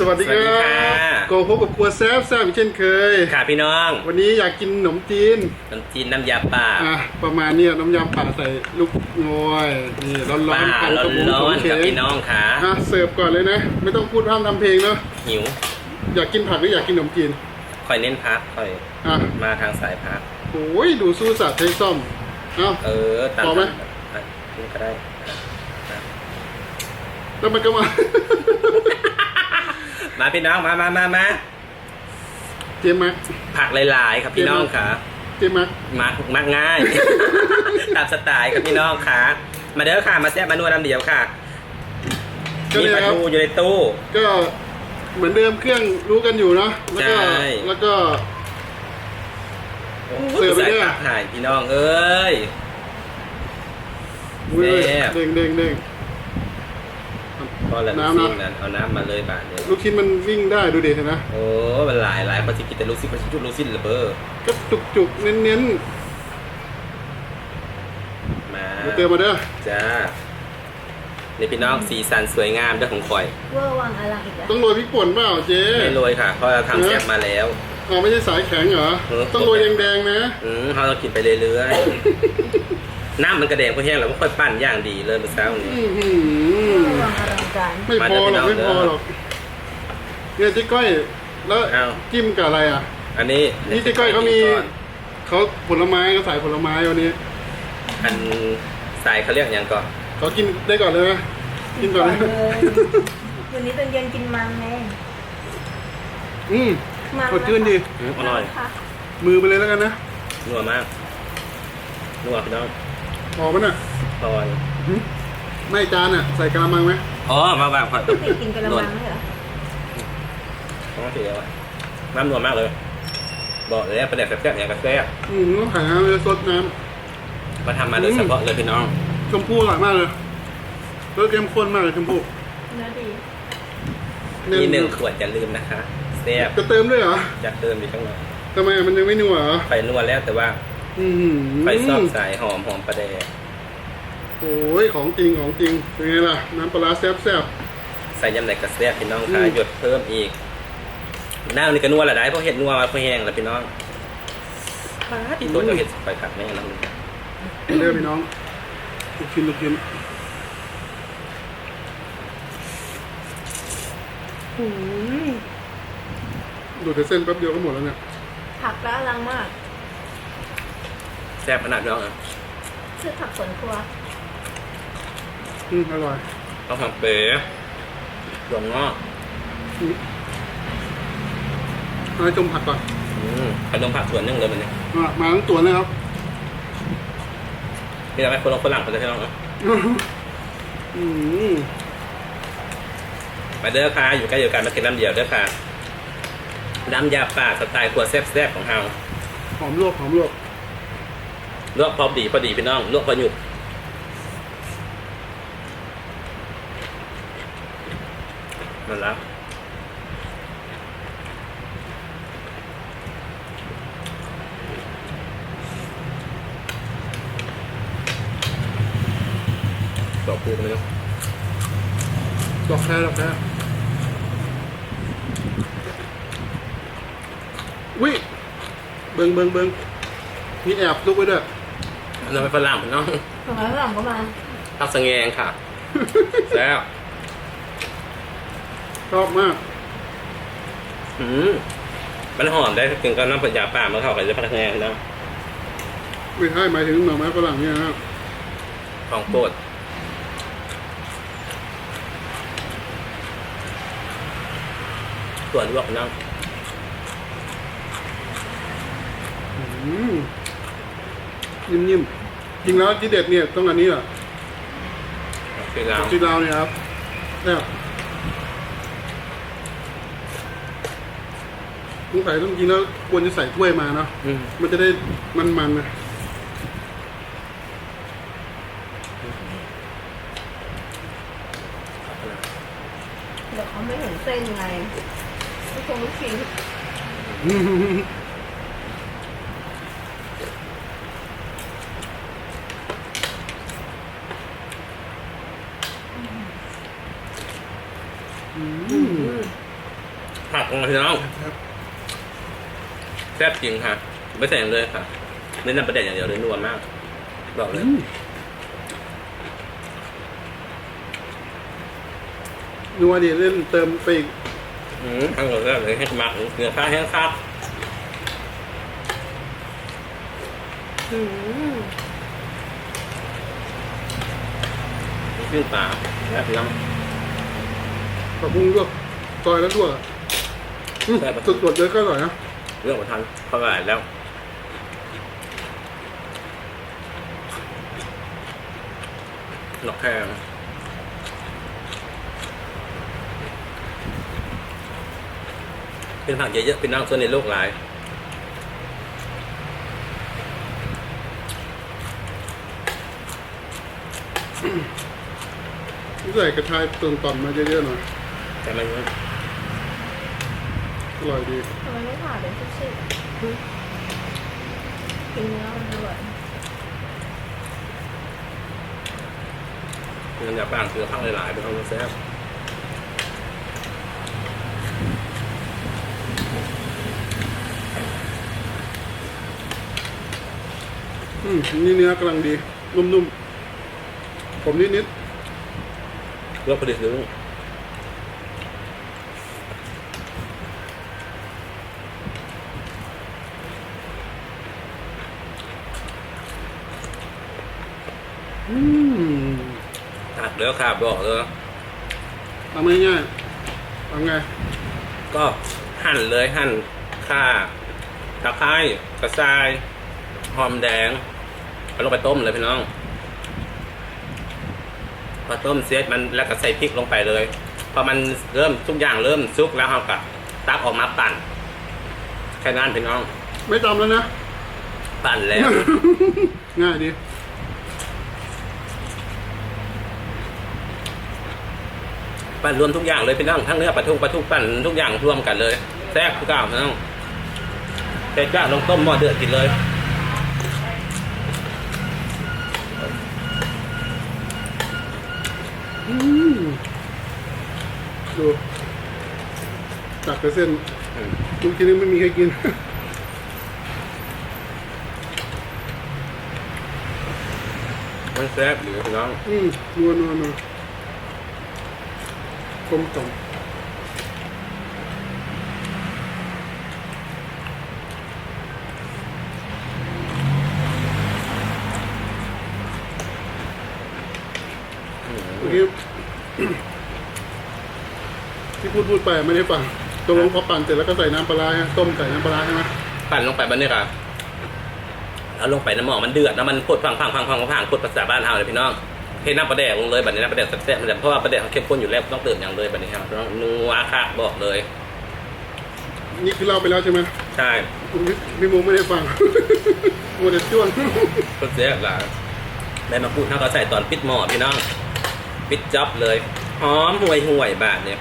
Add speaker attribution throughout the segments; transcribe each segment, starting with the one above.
Speaker 1: สวัสดีครับโกพบกับครัวแซ่บอีกเช่นเคย
Speaker 2: ค่ะพี่น้อง
Speaker 1: วันนี้อยากกินขนมจีน
Speaker 2: น้ำยาป่า
Speaker 1: ประมาณนี้น้ำยาป่าใส่ลูกงอยนี่ร้อนๆ
Speaker 2: ร้อนกับพี่น้องค่ะ
Speaker 1: เสิร์ฟก่อนเลยนะไม่ต้องพูดพร่ำทำเพลงเนาะ
Speaker 2: หิว
Speaker 1: อยากกินผักหรืออยากกินขนมจีน
Speaker 2: คอยเน้นพักคอยมาทางสายพัก
Speaker 1: โอ้ยดูสู้สัตว์ใช้ซ่อม
Speaker 2: ตาม
Speaker 1: พอไหม
Speaker 2: ก็ได้
Speaker 1: แล้วมันก็มา
Speaker 2: มาพี่น้องมา
Speaker 1: เจมัก
Speaker 2: ผักหลายๆครับพี่น้องค่ะ
Speaker 1: เจมัก
Speaker 2: มักง่ายตามสไตล์ครับพี่น้องค่ะมาเด้อค่ะมาแซ่บมานัวน้ำเดียวค่ะมีปลาทูอยู่ในตู้
Speaker 1: ก็เหมือนเดิมเครื่องรู้กันอยู่เนาะแล้วก็
Speaker 2: เสิร์ฟไปด้วยถ่ายพี่น้องเอ้ย
Speaker 1: เด้ง
Speaker 2: พอแล้วลูกชิ้นนั้นเอาน้ำมาเลยบาทเลย
Speaker 1: ลูกชิ้นมันวิ่งได้ดูเด็ดนะ
Speaker 2: โอ้มันหลายพอจะกินแต่ลูกชิ้นจุดลูกชิ้นระเบ้อ
Speaker 1: ก็จุกเน้น
Speaker 2: มา
Speaker 1: เติมมาเด้อ
Speaker 2: จ้านี่พี่น้องสีสันสวยงามด้วยของคอย
Speaker 3: เวอร์วังอะไรอีกแล้ว
Speaker 1: ต้องโรยพริกป่นเปล่าเจ๊
Speaker 2: ไม่โรยค่ะเพราะเราทำแซ่บมาแล้ว
Speaker 1: ไม่ใช่สายแข็งเหรอต้องโรยแดงๆนะ
Speaker 2: เราต้องกินไปเรื่อยๆน้ำมันกระเด็นก็แห้งแล้วก็ค่อยปั้นอย่างดีเลยเมื่อเช้านี้
Speaker 1: ไม่พอหรอกเนี่ยเจ๊ก้อยแล้วจิ้มกับอะไรอ่ะ
Speaker 2: อันนี้
Speaker 1: เจ๊ก้อยเขาผลไม้เขาใส่ผลไม้วันนี้
Speaker 2: อันใส่เขาเรียกอย่างก่อน
Speaker 1: เขากินได้ก่อนเลยไหมกินก่อนเลย
Speaker 3: วันนี้ตอนเย็นกินมันไง
Speaker 1: สดชื่นดี
Speaker 2: อร่อย
Speaker 1: มือไปเลยแล้วกันนะ
Speaker 2: นัวมากนัวพี่น้อง
Speaker 1: พอปะน่ะ
Speaker 2: พอ
Speaker 1: ไม่จานอ่ะใส่กระมังไหม
Speaker 2: มาแบบผัด
Speaker 3: กินกระมังไหมเหรอ
Speaker 2: ต้องเสียน้ำนัวมากเลยบอกเลยประเด็นแซ่บๆอย่างกระแซ่บ
Speaker 1: ต้องไข่น้ำเลยสดน้
Speaker 2: ำมาทำมาโดยเฉพาะเลยพี่น้อง
Speaker 1: ชมพู่อร่อยมากเลยรสเข้มข้นมากเลยชมพู่
Speaker 3: เนื้อดี
Speaker 2: มี1 ขวดอย่าลืมนะคะแซ่บ
Speaker 1: จะเติมด้วยเหรอ
Speaker 2: อยากเติมอีกข้างหน่อย
Speaker 1: ทำไมมันยังไม่นัวเหรอ
Speaker 2: ไฟนัวแล้วแต่ว่าไฟซอบสายหอมประเดะ
Speaker 1: โอ้ยของจริงเป็นไงล่ะน้ำปลาแซ่บ
Speaker 2: ใส่ยำไหนกระแซ่บพี่น้องค่ะหยดเพิ่มอีกน้ำนี่ก็นัวละได้เพราะเห็ดนัวมาเพราะแห้งแล้วพี่น้องที่ตัวจะเห็ดไฟผักแม่น้
Speaker 1: ำเรียกพี่น้องลูกชิ้นดูแต่เส้นแป๊บเดียวก็หมดแล้วเนี่ย
Speaker 3: ผักแล้วอลังมาก
Speaker 2: แซ่บขนาดน้อง
Speaker 3: ซื้อผักสวนครัว
Speaker 1: อร่อย
Speaker 2: ต้องทำเป๋หลงงอก
Speaker 1: ให้จมผักก่อน
Speaker 2: ขนมผักส่วนนึงเลยมันเนี่ย
Speaker 1: มาทั้งตัวนะครับ
Speaker 2: นี่เราไม่คนฝรั่งเขาจะให้น้องนะมาเด้อค่ะอยู่ใกล้อยู่กันมากินน้ำเดียวเด้อค่ะน้ำยาป่าสไตล์ครัวแซ่บของเฮา
Speaker 1: หอมลวก
Speaker 2: ลวกพอดีพี่น้องลวกพอหยุดมันละดอกพูกันเลย
Speaker 1: ดอกแค่วิเบิงมีแอบลุกไว้ด้วย
Speaker 2: เราไปฝรั่งเนาะ
Speaker 3: ฝรั่งก็มา
Speaker 2: ทักสังเงงค่ะแล้ว
Speaker 1: ชอบมาก
Speaker 2: มันหอมได้ถึงกับน้ำปัญญาป่ามาเข้ากับจะพักแงงนะ
Speaker 1: ไม่ใช่หมายถึงหน่อไม้ฝรั่งเนี่ยนะ
Speaker 2: ของโปรดส่วนลวกน้ำ
Speaker 1: นิ่มจริงแล้วที่เด็ดเนี่ยต้องอันนี้เหรอจีราวเนี่ยครับเนี่ยต้องใส่ต้องกินแล้วควรจะใส่ถ้วยมาเนาะมันจะได้มันนะ
Speaker 3: เดี๋ยวเขาไม่เห็นเส้นไงไม่คงลูกชิ้น
Speaker 2: ผักของพี่น้อง
Speaker 1: ครับ
Speaker 2: แซ่บจริงค่ะไม่ใส่อย่างเลยค่ะเน้นน้ำประเด็นอย่างเดียวเลยนัวมากบอกเลย
Speaker 1: นัวดีเล่นเติมไปอีก
Speaker 2: ทั้งหมดเลยให้หมักเนื้อข้าวแห้งครับขึ้นปลาแซ่บน้ำ
Speaker 1: ผักบุ้งลวกซอยแล้วลวกอะสดๆเลยก็อร่อยนะ
Speaker 2: เรื่องของทันเข้าไปแล้วหลอกแค่เป็นผักเยอะๆเป็นน้ำส่วนในโลกหลาย
Speaker 1: ใส่กระชายเติมต่อมมาเยอะๆหน่อย
Speaker 2: แต่มัน
Speaker 1: อร่อยดี
Speaker 3: ทำไมไม่ผ่าเป็นชิ้นๆกินเนื้อมันด้วย
Speaker 2: มันอยากบ้างคือข้าวหลายๆเป็นข้าวแซ่บ
Speaker 1: นี่เนื้อกำลังดี นุ่มๆ ผมนิด
Speaker 2: เลือกผลิตซื้อ
Speaker 1: ๆ
Speaker 2: ตัดแล้วครับบอกเลย
Speaker 1: ทำง่ายๆทำไง
Speaker 2: ก็หั่นเลยหั่นข่าตะไคร้กระชายหอมแดงเอาลงไปต้มเลยพี่น้องพอต้มเสร็จมันแล้วก็ใส่พริกลงไปเลยพอมันเริ่มทุกอย่างเริ่มสุกแล้วเราก็ตักออกมาปั่นแค่นั้นพี่น้อง
Speaker 1: ไม่ตำแล้วนะ
Speaker 2: ปั่นแล้ว
Speaker 1: ง่ายดี
Speaker 2: ปั่นรวมทุกอย่างเลยพี่น้องทั้งเนื้อปลาทูปั่นทุกอย่างรวมกันเลยแซ่บทุกอย่างพี่น้องเสร็จก็ลงต้มหม้อเดือดกินเลย
Speaker 1: ดูตักไปเส้นลูกชิ้นนี้ไม่มีใครกิน
Speaker 2: มันแซ่บหรือพี่น้อง
Speaker 1: นัวกลมกล่อม เมื่อกี้ ที่พูดไปไม่ได้ฟังตกลงพอปั่นเสร็จแล้วก็ใส่น้ำปลาร้าฮะต้มใส่น้ำปลาร้าใช่ไหม
Speaker 2: ปั่นลงไปบันนี้ค่ะเอาลงไปน้ำหมอกมันเดือดแล้วมันพดพังพดภาษาบ้านเฮาเลยพี่น้องเทน้ำปลาแดกลงเลยบัดนี้น้ำปลาแดกแซ่บๆเพราะว่าปลาแดกเขาเข้มข้นอยู่แล้วต้องเติมอย่างเลยบัดนี้ครับต้องนัวค่ะบอกเลย
Speaker 1: นี่คือเล่าไปแล้วใช่ไหม
Speaker 2: ใช่
Speaker 1: พี่มุงไม่ได้ฟัง มัวแต่จ้วง
Speaker 2: ก็แซ่บหลายใบมะกรูดเขาก็ใส่ตอนปิดหม้อพี่น้องปิดจ็อบเลยหอมห่วยบาทเนี่ย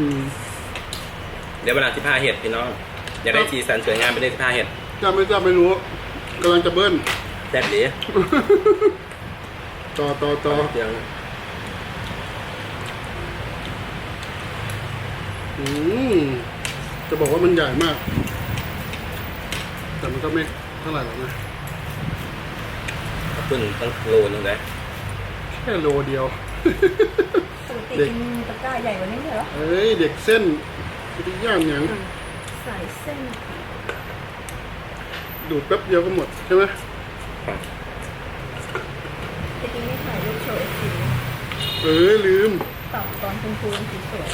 Speaker 2: เดี๋ยวเวลาที่ผ้าเห็ดพี่น้องอยากได้สีสันสวยงามไปได้ที่ผ้าเห็ด
Speaker 1: จำไม่รู้กำลังจะเบิ้ล
Speaker 2: แซ่บดี
Speaker 1: ต่อ
Speaker 2: เดี๋ยว
Speaker 1: จะบอกว่ามันใหญ่มาก แต่มันก็ไม่เท่าไหร่หรอกนะ
Speaker 2: ขึ้นตั้งโลนึงเลย
Speaker 1: แค่โลเดียว
Speaker 3: ปกติกินตะกร้าใหญ่กว่านี้เหรอ
Speaker 1: เอ้ยเด็กเส้นที่ย่างอย่าง
Speaker 3: ใส่เส้น
Speaker 1: ดูดแป๊บเดียวก็หมดใช่ไหม
Speaker 3: จริงๆไม่ถ่ายรูปโชว์สี
Speaker 1: ลืม
Speaker 3: ตับตอนคุณครูสีสวย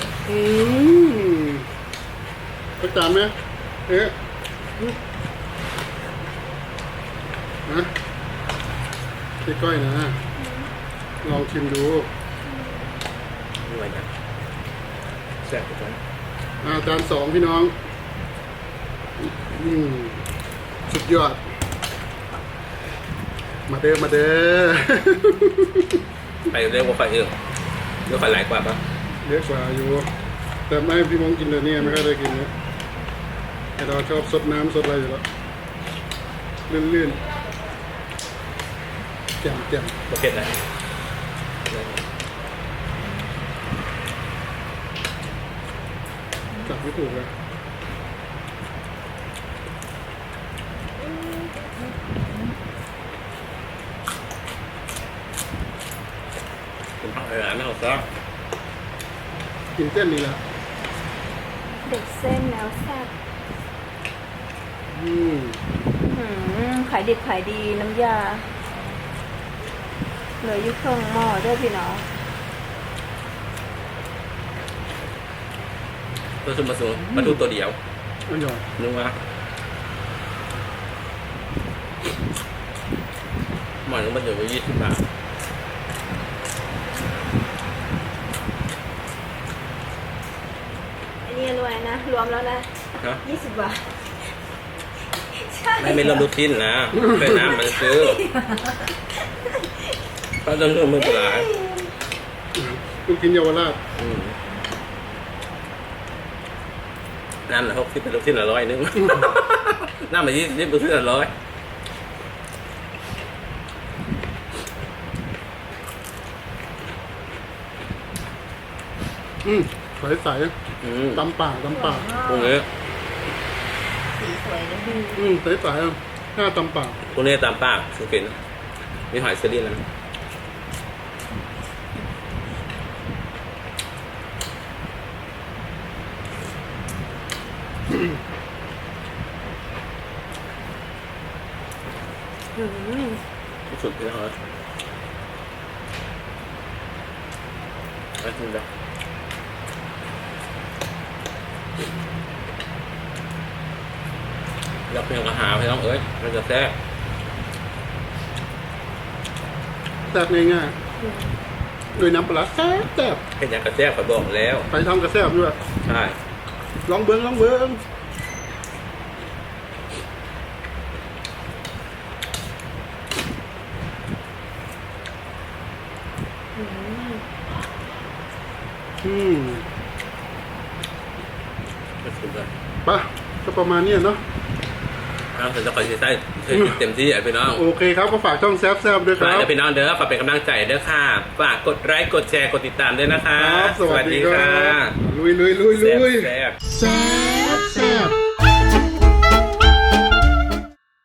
Speaker 1: ประจำไหมนะพี่ก้อยนะ ลองชิมดู
Speaker 2: ด้วยนะแซ่บทุกคน
Speaker 1: จาน2พี่น้องสุดยอด มาเด้อ
Speaker 2: ไปเร็วกว่าไฟอื่นเร็วไฟไหลกว่าปะ
Speaker 1: เยอะกว่าอยู่ แต่ไม่ให้พี่มงกินเลยเนี่ยไม่ค่อยได้กินเนี่ยไอเราชอบสดน้ำสดอะไรอยู่แล้วลื่นๆแจ่ม
Speaker 2: ประเภทไหน
Speaker 1: จับไม่ถูกเลย
Speaker 2: เป็นผักอะไรไม่เอาซะ
Speaker 1: กินเส้นนี่แหละ
Speaker 3: เด็กเส้นแล้วแซ่บ
Speaker 1: อืม
Speaker 3: ขายดิบขายดีน้ำยาเหลืออยู่เครื่องหม้อด้วยพี่น้อง
Speaker 2: ตัวซุ่มมาสูงมาดูตัวเดียว
Speaker 1: อร่อย
Speaker 2: นึกว่าหมอนก็มาถึงไป20 บาท
Speaker 3: อันนี้รวยนะ รวมแล้วนะ
Speaker 2: ฮะ
Speaker 3: 20 บาท ใช่
Speaker 2: ไม่เริ่มรูทีนนะเป็นน้ำมันซื้อก็ต้องเริ่มมือปลา
Speaker 1: ลูกกินเยาวราช
Speaker 2: น้ำละ60เป็นรูทีนละ100นึง น้ำมา20รูทีนละ100
Speaker 1: ใสๆตำป่า
Speaker 2: ตรงนี้
Speaker 3: สีสวยเลย
Speaker 1: ใสๆหน้าตำป่า
Speaker 2: ตรงนี้ตามปากสุกินมีหอยเซรีนแล้วสุดเลยเหรอไปกินไปอยากเพียงกระหาพี่น้องเอ้ยมันจะแซ่บ
Speaker 1: แซ่บง่ายๆโดยน้ำปลาร้าแซ่บ
Speaker 2: เป็นอย่างกระแซ่บขอบอกแล้ว
Speaker 1: ไปทำกระแซ่บด้วย
Speaker 2: ใช่
Speaker 1: ลองเบิ้งอืม
Speaker 2: มันสุดเลย
Speaker 1: ไปะก็ประมาณเนี้ยเนาะ
Speaker 2: เอาแต่จะคอยใส่เต็มที่อ่ะพี่น้อง
Speaker 1: โอเคครับก็ฝากช่องแซ่บๆด้วยค
Speaker 2: ฝาก
Speaker 1: รับ
Speaker 2: เด้อพี่น้องเด้อฝากเป็นกำลังใจเด้อค่ะฝากกดไลค์กดแชร์กดติดตามด้วยนะคะ
Speaker 1: ครับ สวัสดีครับ
Speaker 2: ค่ะ
Speaker 1: ลุย
Speaker 2: แซ่บ
Speaker 1: แซ่บ